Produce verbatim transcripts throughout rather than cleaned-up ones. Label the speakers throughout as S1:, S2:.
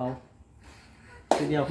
S1: เขาทีเดียว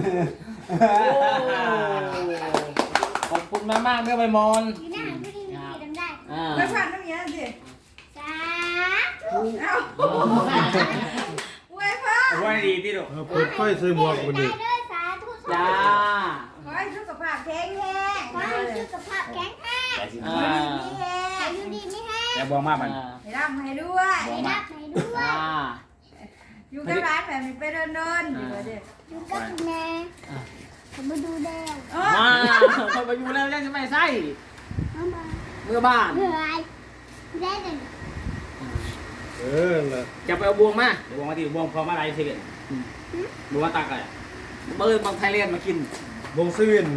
S1: ขอบคุณมากมากเด้อใบมอน
S2: อยู่หน้าผู้ที่มีดำได้
S1: อ่า
S3: ไม่ผ่านตรงนี้สิ
S2: สา
S3: ธุเอ้าอวยพ่อ
S4: อวยดีที่ลูก
S5: เปิดไฟใส่หมวกคนนี้
S2: ได้ด้วยสาธุ
S1: จ้า
S3: ขอให้สุขภาพแข็งแรง
S2: ขอให้สุขภาพแข็งแรง
S1: อ่า
S3: มีแรง
S2: อายุดีไม่แห้ง
S4: แต่บอกมากมัน
S3: ให้ร่ำให้ด้วย
S2: ให้รับให้ด้วย
S1: อ่า
S3: อยู่กับร้านแบบนี้ไปเดินเดินอยู่เด็ก
S2: อยู่กับคุณแม่ผมมาดูแดง
S1: มาเขาไปอยู่แล้วยังจะไม่ใส่
S2: มามา
S1: เมื่อบ้าน
S2: เหนื่อยได้เลย
S5: เออล่ะ
S1: จะไปเอาบวงมา
S4: เดี๋ยวบอกมาที่บวงพอมาอะไรเสร็จบวงมาตักอะไร
S1: เบิร์บางไทยเลียนมากิน
S5: วงเซเว่นนะ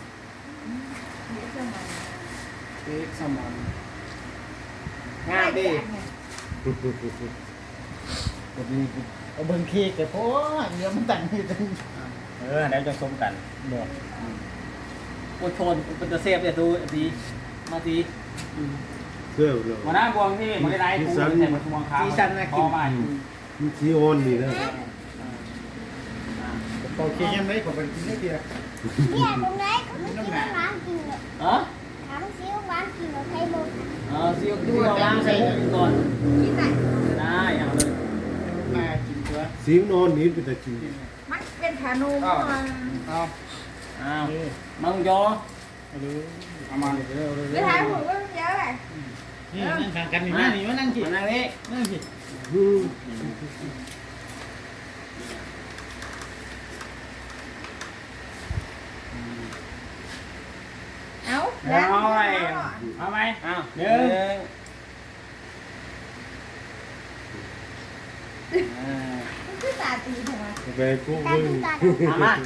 S1: เค้กแซลมอนงามดิเอาเบิ้งเค้กแต่เพราะเดี๋ยวมันแต่งนี่จัง
S4: เออเดี๋ยวจะส้มกัน
S1: บอกอดทนเป็นตะเซฟเนี่ยดูดีมาดี
S5: เสื้อเลย
S4: วันนั้นบวงที่มันได้ปูใส่หมดบวงขาว
S1: ซีซันนะกิน
S4: มา
S5: มันสีอ่อนนี่นะ
S1: โอเคยังไม่ผมเป็นกินได้ดีละ
S2: เนี่ยตรงไหนเขาไม่กินหวานกินเลย
S1: เออ
S2: ถามซิวหวานกินหรือไทยบก
S1: เออซีอิ๊วที่เราล้างใส่ก่อน
S3: กินไหน
S1: ได้อย่างเลยมากินเชื้อ
S5: สีมันอ่อนนี่เป็นแต่จริง
S3: มันเป็นขานูม
S1: เอาอ้าวมังยอ
S4: เอามาเลย
S3: ไม่ถ่ายหูก็เยอะเลย
S1: นี่นั่งทางกันนี่นั่งนี่มานั่งกินนั่งนี่นั่งกิน
S5: อืม
S3: เอ้า
S4: เอาไปเอาไหม
S1: อ้าว
S4: หนึ่ง
S3: มันคือตาตีถูกไหม
S5: ไปกู้
S2: ตา
S5: มึง
S2: ดูตา
S1: เอามา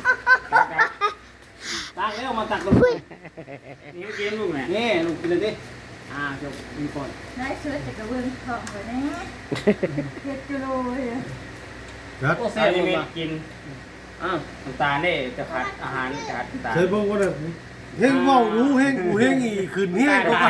S1: ตักเร็วมาตักเลย
S4: นี่กินลูกไหน
S1: นี่ลูกกินเลยดิอ่าจบมีคน
S3: ได้เชื้อจากกระเบื้องทองเลยนะเจ็ดกิโลเลย
S5: ครับ
S1: โอ้เซ่
S4: ใส่
S1: ลง
S4: เม็ด
S1: มา
S4: กิน
S1: อ้าว
S4: น้ำตาลนี่จะขาดอาหารจะขาดน้ำตาล
S5: ใส่บอกว่าน่ะเฮงเว้ารู้เฮงกูเฮงอีขึ้นเฮงก็เอา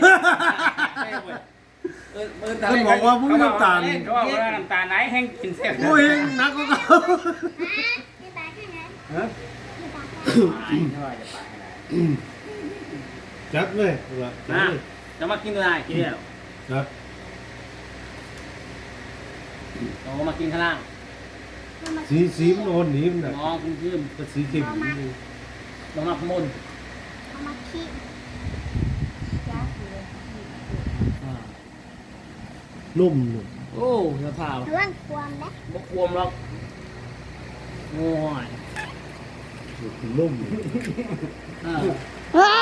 S1: เออเออ
S5: ท่านบอกว่ามึงน้ำตาล
S4: เขาบอกว่าน้ำตาลไหนแห้งกินเสร็จ
S5: กูเฮงนักก็เอา
S2: ที่ตาแค่ไหน
S5: ฮะ
S2: ที่ตาแค่
S4: เท่าไหร่จะไปให้ได้
S5: จัดเลยว่าจัด
S1: นะ
S5: เลย
S1: จะมากินอะไรกินเนี่ย
S5: ครับ
S1: โอ้มากินข้างล่าง
S5: สีสีมันอ่อนนี่มันน่ะ
S1: มองคุณขึ้น
S5: ก็สีเข้มนี่
S1: ลงมาขมุน
S2: เอามาขี้
S5: นุ่มนุ่ม
S1: โอ้ยะพาว
S2: ระวังความนะ
S1: บกวมหรอกโง่ย
S5: นุ่ม
S1: อ่า
S2: ว้าว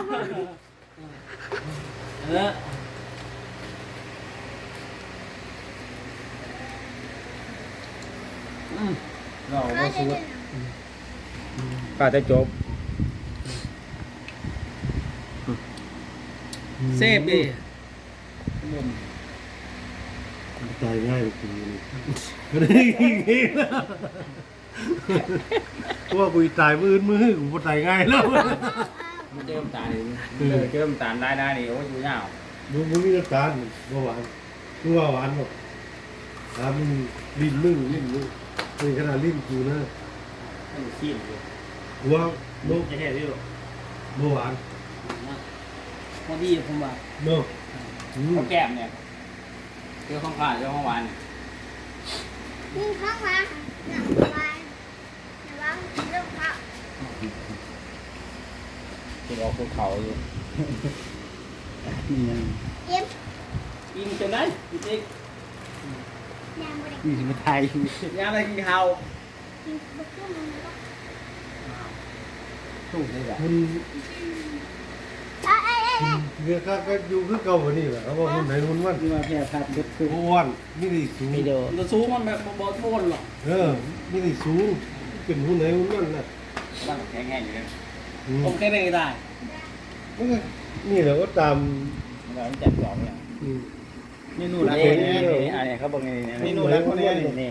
S1: เอออืม
S4: เราก็สูดก็จะจบ
S1: เซฟดิ
S5: ตายง่ายกว่ากูนี่ก็ได้กินเองแล้วเพราะว่ากูตายมืออื่นมือกูบ่ตายง่ายแล้ว
S4: มันเจอน้ำตาลเออเจอน้ำตาลได้ได้นี่โอ้ยอยู่ยาว
S5: มึงมึงมีน้ำตาลบ่หวานมึงว่าหวานหรอกถามมึงลิ้นมึงลิ้นมึงเป็นขนาดลิ้นกูนะ
S4: มันขี้อยู่
S5: กูว่าโน
S4: จะเห็นที่ลูก
S5: บ่หวาน
S1: พอดีผมว่า
S5: โนอืม
S4: ข้าวแก้มเนี่ยเจอข้าวขาดเจอข้าวหวาน
S2: ยิงข้างมาหนังวายระวังเรื่องเขา
S4: ที่ออกภูเขาอยู่
S2: เอ็ม
S1: กินจนได้กินอีก
S2: ยางบริ
S1: นี่มาไทยยามอะไรกินข้าว
S2: กินบุกขึ้นมันก็
S1: ถูกเลยอ่ะ
S5: มัน
S2: เอ้ยเอ้ยเอ้ย
S5: เรือก็ก็อยู่คือเก่าบ่นี่แหละเขาบอกคนไหนคนมัน
S1: ที่มาแพร่พัดเด็ดคือ
S5: บ่อ้วนนี่ได้สูง
S1: วิดีโอตัวสูงมันแบบบอลบอลหรอก
S5: เออนี่ได้สูงเป็นคนไหนคนมันน่ะ
S4: บ้านแข็งแรงอยู่เลย
S5: อืม
S1: ผมแค่ได้ได้
S5: มันก็นี่แหละก็ตาม
S4: เราต้องจัดสองอย่าง
S5: อืม
S1: นี่นู่น
S4: นี่
S1: แล้ว
S4: นี่นี่อันนี้เขาบอกนี่
S1: นี่นู่นแล้วคนนี้นี่
S4: นี่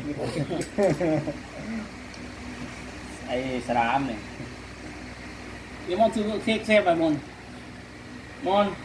S4: ไอ้สลามเนี่ย
S1: เดี๋ยวมอนซื้อเค้กเซฟไปมอนมอน